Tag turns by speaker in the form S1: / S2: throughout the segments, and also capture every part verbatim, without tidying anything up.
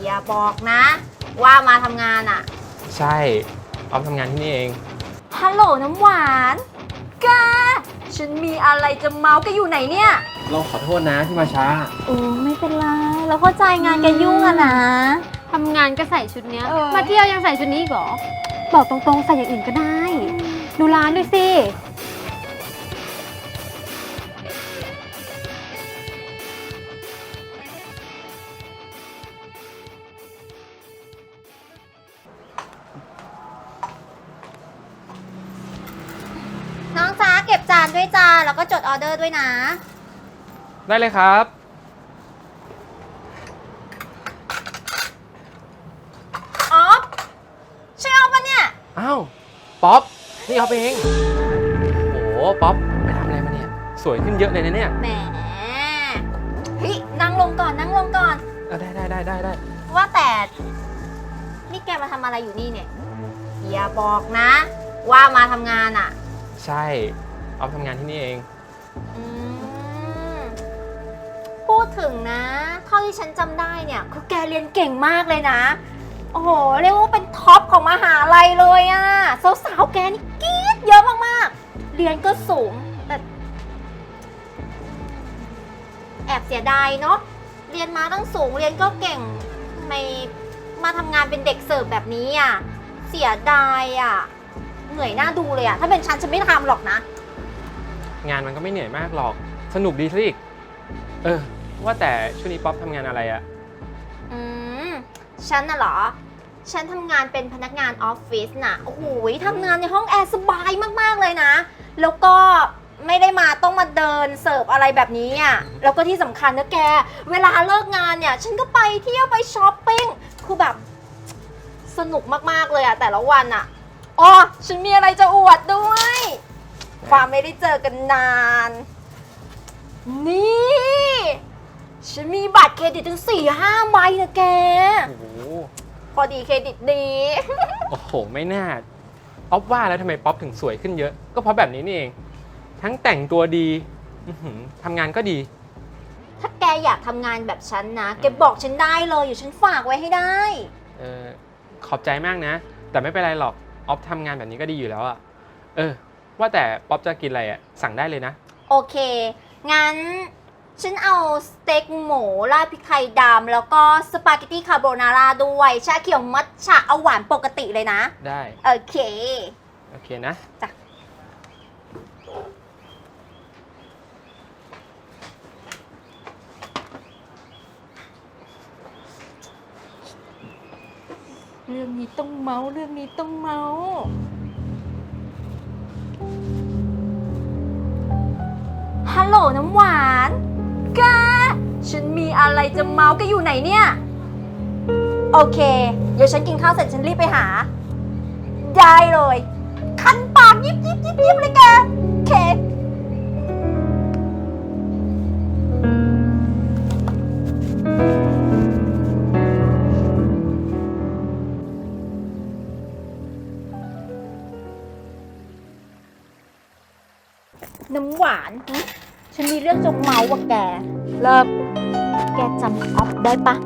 S1: อย่าบอกนะ ว่ามาทำงานอ่ะ
S2: ใช่ออฟทำงานที่นี่เอง
S1: ฮัลโหลน้ำหวานแกฉันมีอะไรจะเมาส์แกอยู่ไหนเนี่ย
S2: เราขอโทษนะที่มาช้า
S1: โอ้ไม่เป็นไรเราเข้าใจงานแกยุ่งอะนะ
S3: ทำงานก็ใส่ชุดเนี้ยมาเที่ยวยังใส่ชุดนี้อีกเหรอบอกตรงๆใส่อย่างอื่นก็ได้ดูร้านด้วยสิ
S1: น้องจ้าเก็บจานด้วยจ้าแล้วก็จดออเดอร์ด้วยนะ
S2: ได้เลยครับ
S1: ออฟใช่ออฟปะเนี่ย
S2: อ้าวป๊อปนี่ออฟเองโอ้ป๊อปไปทำอะไรมาเนี่ยสวยขึ้นเยอะเลยนะเนี่ย
S1: แหมเฮ้ยนั่งลงก่อนนั่งลงก่อน
S2: เออได้ได้ได้ได้ได้
S1: ว่าแต่นี่แกมาทำอะไรอยู่นี่เนี่ยอย่าบอกนะ ว่ามาทำงานอ่ะ
S2: ใช่ออฟทำงานที่นี่เอง
S1: อืมพูดถึงนะเท่าที่ฉันจำได้เนี่ยคือแกเรียนเก่งมากเลยนะโอ้โหเรียกว่าเป็นท็อปของมหาลัยเลยอะสาวๆแกนี่กรี๊ดเยอะมากๆเรียนก็สูงแต่แอบเสียดายเนาะเรียนมาตั้งสูงเรียนก็เก่งทำไมมาทำงานเป็นเด็กเสิร์ฟแบบนี้อะเสียดายอะเหนื่อยหน้าดูเลยอะถ้าเป็นฉันฉันไม่ทำหรอกนะ
S2: งานมันก็ไม่เหนื่อยมากหรอกสนุกดีซะอีกเออว่าแต่ช่วงนี้ป๊อปทำงานอะไรอะ
S1: อืมฉันน่ะเหรอฉันทำงานเป็นพนักงานออฟฟิศน่ะโอ้โหทำงานในห้องแอร์สบายมากๆเลยนะแล้วก็ไม่ได้มาต้องมาเดินเสิร์ฟอะไรแบบนี้อ่ะแล้วก็ที่สำคัญนะแกเวลาเลิกงานเนี่ยฉันก็ไปเที่ยวไปช้อปปิ้งคือแบบสนุกมากๆเลยอ่ะแต่ละวันอ่ะอ๋อฉันมีอะไรจะอวดด้วยความไม่ได้เจอกันนานนี่ฉันมีบัตรเครดิตถึงสี่ห้าใบนะแก
S2: โอ้โห
S1: พอดีเครดิตดี
S2: โอ้โหไม่น่าออฟว่าแล้วทำไมป๊อปถึงสวยขึ้นเยอะก็เพราะแบบนี้นี่เองทั้งแต่งตัวดีทำงานก็ดี
S1: ถ้าแกอยากทำงานแบบฉันนะแกบอกฉันได้เลยอยู่ฉันฝากไว้ให้ได้
S2: เออขอบใจมากนะแต่ไม่เป็นไรหรอกออฟทำงานแบบนี้ก็ดีอยู่แล้วอะเออว่าแต่ป๊อปจะกินอะไรอะสั่งได้เลยนะ
S1: โอเคงั้นฉันเอาสเต็กหมูราดพริกไทยดำแล้วก็สปาเกตตี้คาโบนาร่าด้วยชาเขียวมัทฉะเอาหวานปกติเลยนะ
S2: ได้
S1: โอเค
S2: โอเคนะ
S1: จ้ะเรื่องนี้ต้องเมาเรื่องนี้ต้องเมาฮัลโหลน้ำหวานแกฉันมีอะไรจะเมาส์แกอยู่ไหนเนี่ยโอเคเดี๋ยวฉันกินข้าวเสร็จฉันรีบไปหาได้เลยคันปากยิบยิบยิบยิบเลยแกโอเคน้ำหวานฉันมีเรื่องจะเมาส์ว่ะแกเริ่มแกจำออฟได้ปะ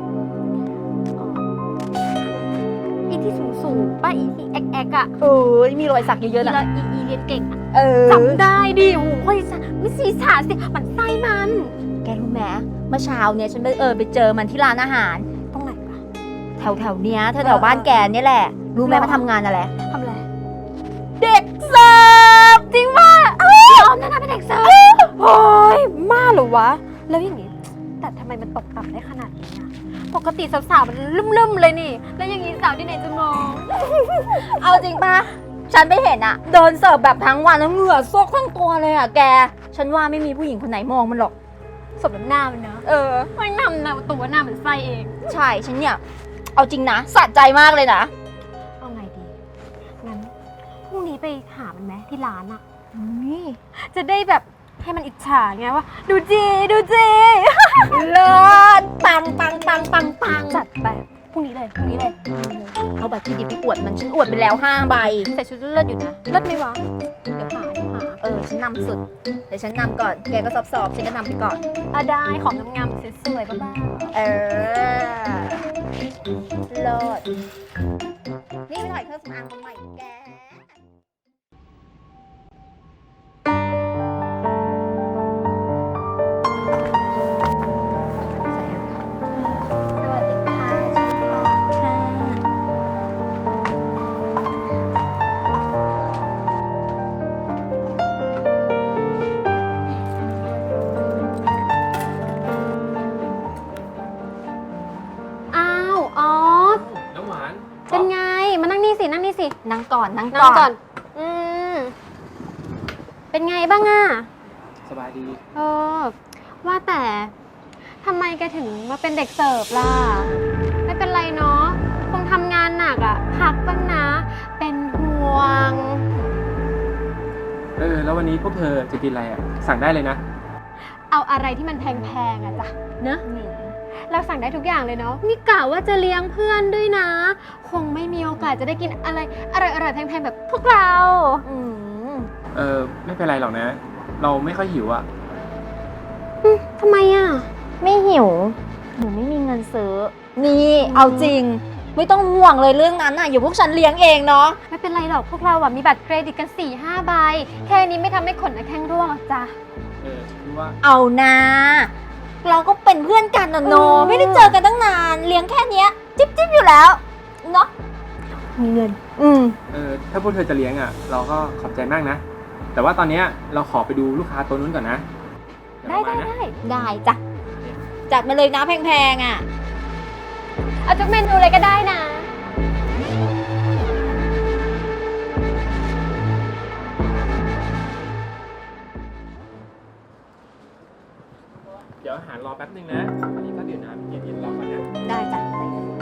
S3: อีที่สูงสูงป้าอีที่แอกแอกอะ
S1: เออมีรอยสักเยอะๆนะ
S3: แล้วอีอีเรียนเก่งอะ
S1: เออ
S3: จำได้ดิโอ้โหคนสักไม่สีสาสิมันไส้มัน
S1: แกรู้ไหมเมื่อเช้าเนี่ยฉันไปเออไปเจอมันที่ร้านอาหาร
S3: ตรงไหนปะ
S1: แถวแถวเนี้ยแถวแถวบ้านแกเนี่ยแหละรู้ไหมมาทำงานอะไร
S3: ทำอะไร
S1: เด็กเสิร์ฟจริงป่ะ
S3: ยอมนะนะเป็นเด็กเสิร์ฟโอ้ยมาหรอวะแล้วอย่างงี้แต่ทำไมมันตกต่ำได้ขนาดนี้อะปกติสาวๆมันลุ่มๆเลยนี่แล้วอย่างงี้สาวที่ไหนจะมอง
S1: เอาจริงป่ะฉันไม่เห็นอะเดินเสิร์ฟแบบทั้งวันแล้วเหงื่อซกทั้งตัวเลยอะแกฉันว่าไม่มีผู้หญิงคนไหนมองมันหรอก
S3: สมน้ำหน้ามันเนอะ
S1: เออ
S3: ไม่นำนะตัวหน้ามันไส้เอง
S1: ใช่ฉันเนี่ยเอาจริงนะสะใจมากเลยนะ
S3: เอาไงดีงั้นพรุ่งนี้ไปหามันไหมที่ร้านอะ
S1: นี่
S3: จะได้แบบให้มันอิจฉาไงว่าดูจีดูจี
S1: เลิศปังปังปังปังปัง
S3: จัดไปพรุ่งนี้เลยพรุ่งนี้เลย
S1: เอาบัตรเครดิตไปอวดมันฉันอวดไปแล้วห้าใบ
S3: ใส่ชุดเลิศอยู่นะเลิศไหมวะเดี๋ยวหาเดี๋ยวหา
S1: เออฉันนำสุดเดี๋ยวฉันนำก่อนแกก็สอบๆฉันก็นำไปก่อน
S3: อ่ะได้ของงามๆสวยๆบ้าง
S1: เออเลิศนี่ไปถ่ายเครื่องสำอางมาใหม่แก สวัสดีค่ะชื่อค่ะ
S3: อ้าวออฟ
S2: น้ำหวาน
S3: เป็นไง มานั่งนี่สิ นั่งนี่สิ
S1: นั่งก่อนนั่ง
S3: นั่งก่อน อืม เป็นไงบ้างอะ
S2: สบายดี
S3: เออ ว่าแต่ทำไมแกถึงมาเป็นเด็กเสิร์ฟล่ะ ไม่เป็นไรเนาะ คงทำงานหนักอะพักบ้างนะ เป็นห่วง
S2: เออ แล้ววันนี้พวกเธอจะกินอะไรอ่ะ สั่งได้เลยนะ
S3: เอาอะไรที่มันแพงๆอะจ้ะเนอะเราสั่งได้ทุกอย่างเลยเนาะ นี่กะว่าจะเลี้ยงเพื่อนด้วยนะ คงไม่มีโอกาสจะได้กินอะไรอร่อยๆแพงๆแบบพวกเรา
S1: อืม
S2: เออ ไม่เป็นไรหรอกนะ เราไม่ค่อยหิวอ่ะ
S3: ทำไมอะ
S1: ไม่หิวหนูไม่มีเงินซื้อ นี่เอาจริง ไม่ต้องห่วงเลยเรื่องนั้นน่ะอยู่พวกฉันเลี้ยงเองเนาะ
S3: ไม่เป็นไรหรอกพวกเราอะมีบัตรเครดิตกัน สี่ห้า ใบ แค่นี้ไม่ทำให้ขนหน้าแข้งร่วงหรอกจ้ะ
S2: เออคือว่า
S1: เอานะเราก็เป็นเพื่อนกันนะโน
S3: เออ
S1: ไม่ได้เจอกันตั้งนานเลี้ยงแค่เนี้ย จิ๊บจิ๊บอยู่แล้วเนาะ
S3: มีเงิน
S1: อืม
S2: เออ ถ้าพวกเธอจะเลี้ยงอ่ะ เราก็ขอบใจมากนะ แต่ว่าตอนเนี้ยเราขอไปดูลูกค้าตัวนู้นก่อนนะเยว
S3: ได้
S2: เรามา
S3: ได้
S2: นะ
S3: ได้
S1: ได้จ้ะจัดมาเลยนะแพงๆอ่ะ
S3: เอาทุกเมนูเลยก็ได้นะ
S2: เดี๋ยวอาหารรอแป๊บนึงนะ อันนี้ก็เดี๋ยวน้ำเย็นๆรอก่อนนะ
S1: ได้จ้ะ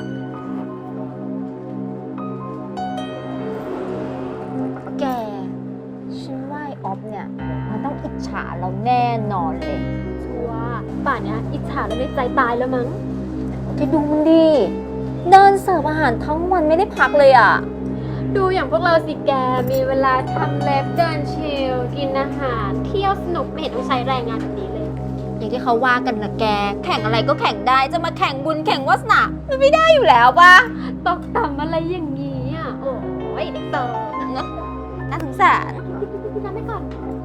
S1: แกฉันว่าไอ้ออฟเนี่ยมันต้องอิจฉาเราแน่นอนเลย
S3: ชัวร์ป่านเนี้ยอิจฉาแล้วในใจตายแล้วมั้ง
S1: แกดูมันดิเดินเสิร์ฟอาหารทั้งวันไม่ได้พักเลยอ่ะ
S3: ดูอย่างพวกเราสิแก มีเวลาทำเล็บเดินชิล กินอาหาร เที่ยวสนุกไม่เห็นต้องใช้แรงงานแบบนี้เลย
S1: อย่างที่เขาว่ากันนะแก แข่งอะไรก็แข่งได้ จะมาแข่งบุญแข่งวาสนามันไม่ได้อยู่แล้วปะ
S3: ตกต่ำอะไรอย่างนี้อ่ะ โอ้ยเด็กเติร์
S1: เนอะน่าสงสาร
S3: พี่น้ำไปก่อน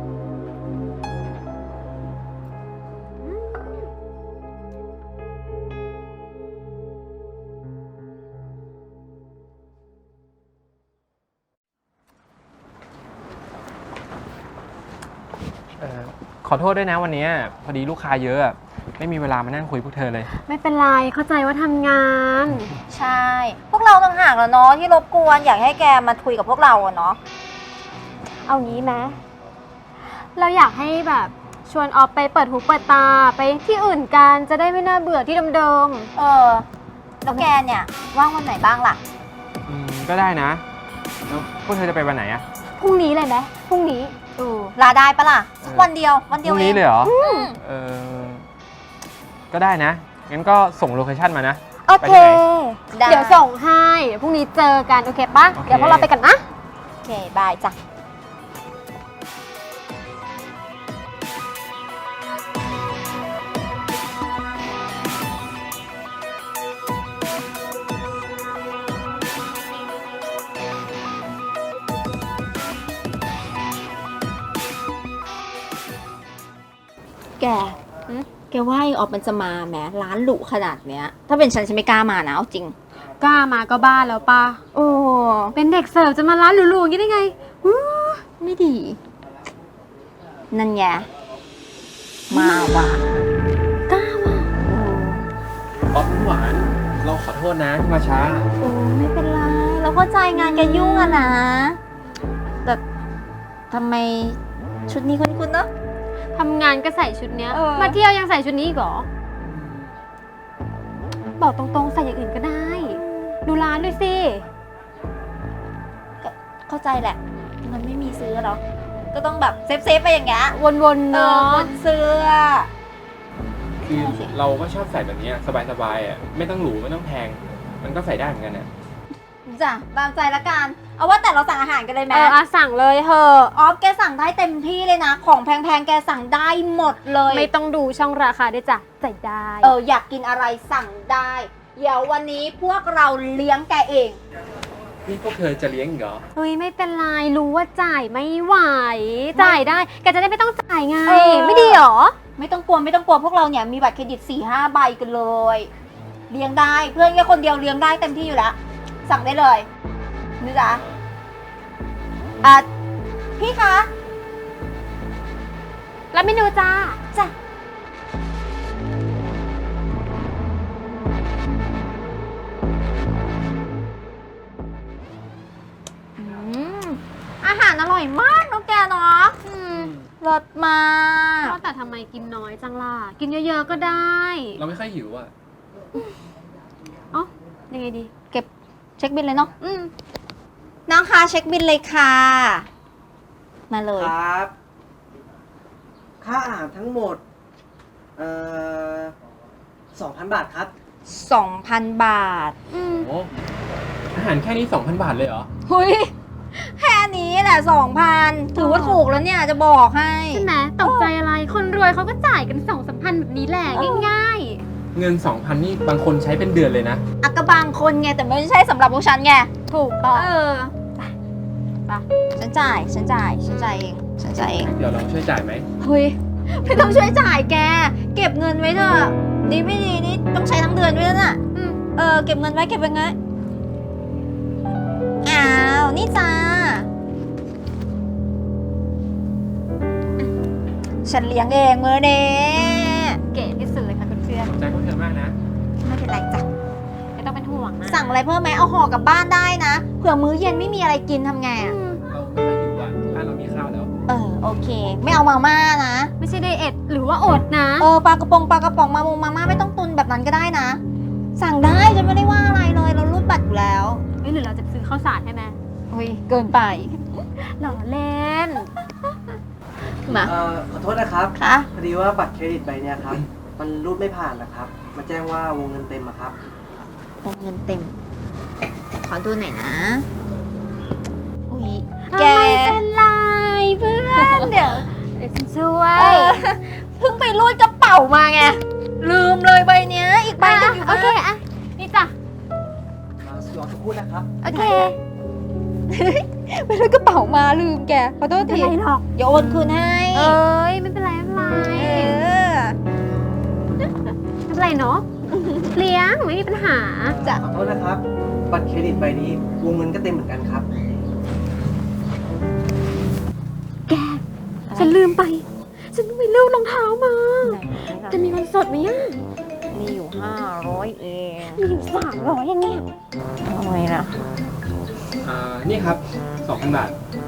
S2: เออ ขอโทษด้วยนะวันนี้พอดีลูกค้าเยอะอะไม่มีเวลามานั่งคุยพวกเธอเลย
S3: ไม่เป็นไร เข้าใจว่าทำงาน
S1: ใช่ พวกเราต่างหากแล้วเนาะที่รบกวนอยากให้แกมาคุยกับพวกเราอะเนาะ
S3: เอางี้ไหมเราอยากให้แบบชวนออฟไปเปิดหูเปิดตาไปที่อื่นกันจะได้ไม่น่าเบื่อที่เดิม
S1: เออ แล้วแกเนี่ยว่างวันไหนบ้างล่ะ
S2: อืม ก็ได้นะ แล้วพวกเธอจะไปวันไหนอะ
S3: ๆพรุ่งนี้เลยไหมพรุ่งนี้
S1: เออลาได้ปะล่ะสักวันเดียววัน
S2: พ
S1: เดียว
S2: รุ่ง
S1: เอ
S2: นี้
S1: ง
S2: เลยเหรอ
S1: อืม
S2: เออ ก็ได้นะ งั้นก็ส่งโลเคชั่นมานะ
S1: โอเค ได้
S3: เดี๋ยวส่งให้เดี๋ยวพรุ่งนี้เจอกัน โอเคปะ
S2: โอเค
S3: เดี๋ยวพวกเราไปกันนะ
S1: โอเค บายจ้ะ แก
S3: หืม
S1: แกว่าไอ้ออฟมันจะมาแหมร้านหรูขนาดเนี้ย ถ้าเป็นฉันฉันไม่กล้ามานะเอาจริง
S3: กล้ามาก็บ้าแล้วปะ
S1: โอ้
S3: เป็นเด็กเสิร์ฟจะมาร้านหรูๆอย่างนี้ได้ไงอู้
S1: ไม่ดี นั่นไงมาว่ะกล้าว่ะ
S2: ป๊อปหวาน เราขอโทษนะที่มาช้า
S1: โอ้ไม่เป็นไร เราเข้าใจงานแกยุ่งอะนะ แต่ทำไมชุดนี้คุ้นๆเนอะ
S3: ทำงานก็ใส่ชุดเนี้ย
S1: เออ
S3: มาเที่ยวยังใส่ชุดนี้อีกเหรอ บอกตรงๆใส่อย่างอื่นก็ได้ ดูร้านด้วยสิ
S1: ก็เข้าใจแหละ มันไม่มีซื้อหรอกก็ต้องแบบเซฟๆไปอย่างเงี้ย
S3: วนๆ
S1: เอ
S3: เนาะ
S1: อเสื้อ
S2: คือเราก็ชอบใส่แบบนี้สบายๆอ่ะ ไม่ต้องหรูไม่ต้องแพง มันก็ใส่ได้เหมือนกันนะ
S1: จ้ะตามใจละกัน เอาว่าแต่เราสั่งอาหารกันเลยไหม
S3: เอออะสั่งเลยเถอะ
S1: ออฟแกสั่งได้เต็มที่เลยนะ ของแพงๆแกสั่งได้หมดเลย
S3: ไม่ต้องดูช่องราคาด้วยจ้ะจ่ายได้
S1: เอออยากกินอะไรสั่งได้เดี๋ยววันนี้พวกเราเลี้ยงแกเอง
S2: นี่พวกเธอจะเลี้ยงอีกเหรอ
S3: เฮ้ยไม่เป็นไรรู้ว่าจ่ายไม่ไหว จ่ายได้แกจะได้ไม่ต้องจ่ายไง
S1: เออ
S3: ไม่ดีหรอ
S1: ไม่ต้องกลัวไม่ต้องกลัวพวกเราเนี่ยมีบัตรเครดิตสี่ห้าใบกันเลย เลี้ยงได้เพื่อนแค่คนเดียวเลี้ยงได้เต็มที่อยู่แล้ว สั่งได้เลยนี่จ๊ะอ่ะพี่คะ
S3: แล้วเมนูจ้า
S1: จ้ะ อืมอาหารอร่อยมากน้องแกเนาะ
S3: อืม
S1: รสมาก
S3: ว่าแต่ทำไมกินน้อยจังล่ะ กินเยอะๆก็ได้
S2: เราไม่ค่อยหิวอ่ะ
S3: เอ๋อยังไงดี
S1: เก็บเช็คบินเลยเนาะ
S3: อืม
S1: น้องคะเช็คบินเลยค่ะ มาเลย
S4: ครับ ค่าอาหารทั้งหมด เอ่อสองพันบาทครับ
S1: สองพัน บาท
S3: อืม
S2: โอ้อาหารแค่นี้ สองพัน บาทเลยเหรอ
S1: หุยแค่นี้แหละสองพันถือว่าถูกแล้วเนี่ยจะบอกให้
S3: ใช่ไหมตกใจอะไร คนรวยเขาก็จ่ายกันสองสามพันแบบนี้แหละ
S1: เออ
S3: ง่าย
S2: เงิน สองพัน นี่บางคนใช้เป็นเดือนเลยนะ
S1: อักกะบางคนไงแต่ไม่ใช่สำหรับพวกฉันไง
S3: ๆ ถูกต้อง
S1: เออ
S3: ไป
S1: ฉันจ่ายฉันจ่ายฉันจ่ายเองฉันจ่ายเอง
S2: เดี๋ยวเราช่วยจ่ายไหม
S1: เฮ้ยไม่ต้องช่วยจ่ายแก เก็บเงินไว้เถอะดีไม่ดีนี่ต้องใช้ทั้งเดือนด้วยนะ
S3: อืม
S1: เออเก็บเงินไว้เก็บไว้ไงอ้าวนี่จ้าฉันเลี้ยงเองมือเด้
S3: เก๋ที่สุดเลยค่ะคุณเพื่อน
S2: ขอบใจพวกเธอมากนะ
S1: ไม่เป็นไรจ้ะ
S3: ไม่ต้องเป็นห่วงนะ
S1: สั่งอะไรเพิ่มไหมเอาห่อกลับบ้านได้นะเผื่อมื้อเย็นไม่มีอะไรกินทำไง
S3: อื
S1: อะ
S3: ม
S2: เราไม่ค่อยหิวอ่ะร้านเรามีข้าวแล้ว
S1: เออโอเค ไม่เอามาม่านะ
S3: ไม่ใช่ไดเอทหรือว่าอดนะ
S1: เออปลากระป๋องปลากระป๋องมามงมาม่าไม่ต้องตุนแบบนั้นก็ได้นะ สั่งได้ฉันไม่ได้ว่าอะไรเลยเรารูดบัตรอยู่แล้ว
S3: เอ้ยหรือเราจะซื้อข้าวสารใช่ไหม
S1: เฮ้ยเกินไป
S3: หล่อเล่น
S1: มา
S4: เอ่อ ขอโทษนะครับ
S1: คะ
S4: พอดีว่าบัตรเครดิตใบเนี้ยครับ มันรูดไม่ผ่านนะครับ มาแจ้งว่าวงเงินเต็มอะครับ
S1: วงเงินเต็ม ขอดูหน่อยนะ อุ้ย
S3: แก
S1: แก
S3: ไม่เป็นไรเพื่อนเดี๋ยวเดี๋ยวฉันช่ว
S1: เอย อเพิ่งไปรูดกระเป๋ามาไง ลืมเลยใบเนี้ย อีกใบหนึงอยู่
S3: โอเคอะนี่จ้ะ
S4: รอสักครู่นะครับ
S3: โอเค
S1: ไปรูดกระเป๋ามาลืมแก ขอโทษ
S3: ไม่
S1: ที
S3: เป็นไรหรอก
S1: เดี๋ยวโอนคืนให้
S3: เอ้ยไม่เป็นไรไม่เป็นไร
S1: เออ
S3: ไม่เป็นไรเนาะเลี้ยงไม่มีปัญหา
S1: จ้ะ
S4: ขอโทษนะครับ บัตรเครดิตใบนี้วงเงินก็เต็มเหมือนกันครับ
S3: แก ฉันลืมไป ฉันต้องไปเลือกรองเท้ามา จะมีเงินสดไหมอ่ะ
S1: มีอยู่ห้าร้อยเอง
S3: มีอยู่สามร้อยอย่างเงี้ย
S1: ทำไมนะ
S2: อ่า นี่ครับ สองพัน บาท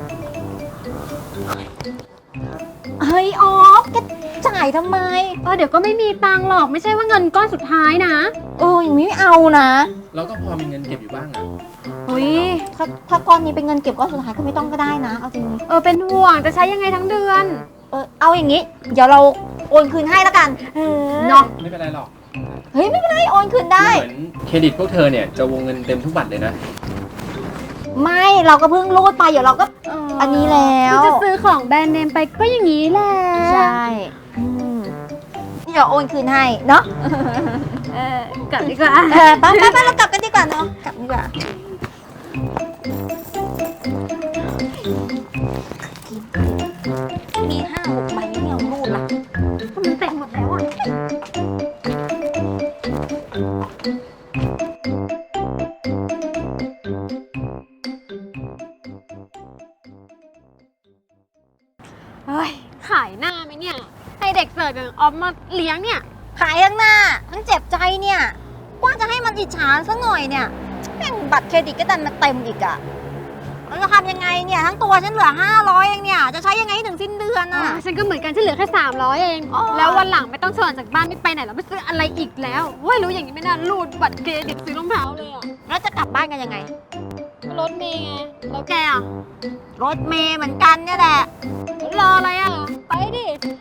S1: เฮ้ยออฟแกจ่ายทำไม
S3: เออเดี๋ยวก็ไม่มีตังค์หรอกไม่ใช่ว่าเงินก้อนสุดท้ายนะ
S1: เอออย่างนี้ไม่เอานะ
S2: เราก็พอมีเงินเก็บอยู่บ้างอ่ะ
S1: เฮ้ยถ้าถ้าก้อนนี้เป็นเงินเก็บก้อนสุดท้ายก็ไม่ต้องก็ได้นะ เอาจริง
S3: เออเป็นห่วงจะใช้ยังไงทั้งเดือน
S1: เออเอาอย่างนี้ เดี๋ยวเราโอนคืนให้แล้วกัน
S3: เออ
S1: เนาะ
S2: ไม่เป็นไรหรอก
S1: เฮ้ยไม่เป็นไรโอนคืนได้
S2: เหมือนเครดิตพวกเธอเนี่ยจะวงเงินเต็มทุกบัตรเลยนะ
S1: ไม่เราก็เพิ่งรูดไปเดี๋ยวเราก็ อันนี้แล้ว
S3: จะซื้อของแบรนด์เนมไปก็อย่างนี้แหละ
S1: ใช่อืมเดี๋ยวโอนคืนให้เนาะ
S3: เออกลับดีกว่า
S1: เออไปไปไปเรากลับกันดีกว่าเนาะกลับดีกว่ามีห้าหกใบไม่เอารูดละ
S3: มันเต็มหมดแล้วอ่ะ
S1: เฮ้ย
S3: ขายหน้าไหมเนี่ย ให้เด็กเสิร์ฟอย่างออฟมาเลี้ยงเนี่ย
S1: ขายทั้งหน้า ทั้งเจ็บใจเนี่ยว่าจะให้มันอิจฉาซะหน่อยเนี่ยแม่งบัตรเครดิตก็ดันมาเต็มอีกอะเราจะทำยังไงเนี่ย ทั้งตัวฉันเหลือห้าร้อยเองเนี่ย จะใช้ยังไงให้ถึงสิ้นเดือนอะ
S3: ฉันก็เหมือนกันฉันเหลือแค่สามร้อยเอง
S1: อ๋อ
S3: แล้ววันหลังไม่ต้องชวนจากบ้านไม่ไปไหนแล้วไม่ซื้ออะไรอีกแล้วเว้ยรู้อย่างนี้ไม่น่ารูดบัตรเครดิตซื้อรองเท้าเลยอ่ะ
S1: แล้วจะกลับบ้านกันยังไง
S3: รถเมย์ไง แล้วแกอ่ะ
S1: รถเมย์เหมือนกันเนี่ยแหละ
S3: รออะไรอ่ะ ไปดิ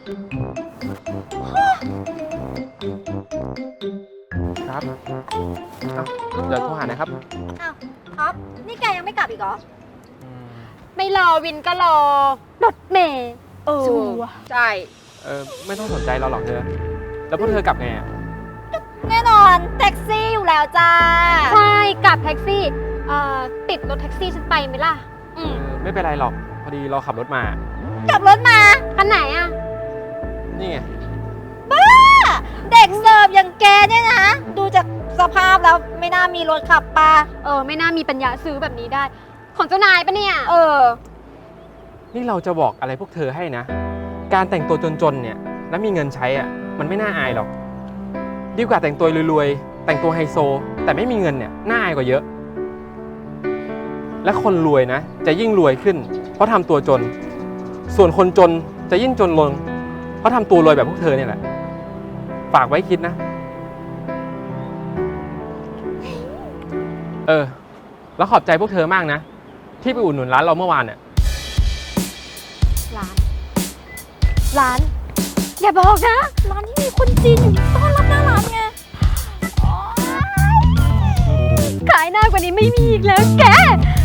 S2: ครับเอ้าเดี๋ยวโทรหานะครับ
S1: อ้าวท็อปนี่แกยังไม่กลับอีกเหรอ
S2: อืม
S3: ไม่รอวินก็รอ รถเมย์
S1: เออ
S3: ชัวร์
S1: ใช่
S2: เออไม่ต้องสนใจเราหรอกเธอ แล้วพวกเธอกลับไงอะ
S1: กแน่นอนแท็กซี่อยู่แล้วจ้า
S3: ใช่กับแท็กซี่เอ่อติดรถแท็กซี่ฉันไปไหมล่ะ
S1: อืม
S2: เออไม่เป็นไรหรอก พอดีเราขับรถมา
S1: ขับรถมา
S3: คันไหนอะ
S2: นี่ไง
S1: บ้า เด็กเสิร์ฟอย่างแกเนี่ยนะ ดูจากสภาพแล้วไม่น่ามีรถขับปะ
S3: เออไม่น่ามีปัญญาซื้อแบบนี้ได้ ของเจ้านายปะเนี่ย
S1: เออ
S2: นี่เราจะบอกอะไรพวกเธอให้นะ การแต่งตัวจนๆเนี่ยแล้วมีเงินใช้อ่ะมันไม่น่าอายหรอก ดีกว่าแต่งตัวรวยๆ แต่งตัวไฮโซ แต่ไม่มีเงินเนี่ยน่าอายกว่าเยอะ และคนรวยนะ จะยิ่งรวยขึ้น เพราะทำตัวจน ส่วนคนจนจะยิ่งจนลง เพราะทำตัวรวยแบบพวกเธอเนี่ยแหละ ฝากไว้คิดนะ เออ แล้วขอบใจพวกเธอมากนะ ที่ไปอุดหนุนร้านเราเมื่อวานเนี่ย
S3: ร้าน ร้าน อย่าบอกนะ
S1: ร้านที่มีคนจีนอยู่ต้อนรับหน้าร้านไง
S3: ขายหน้ากว่านี้ไม่มีอีกแล้วแก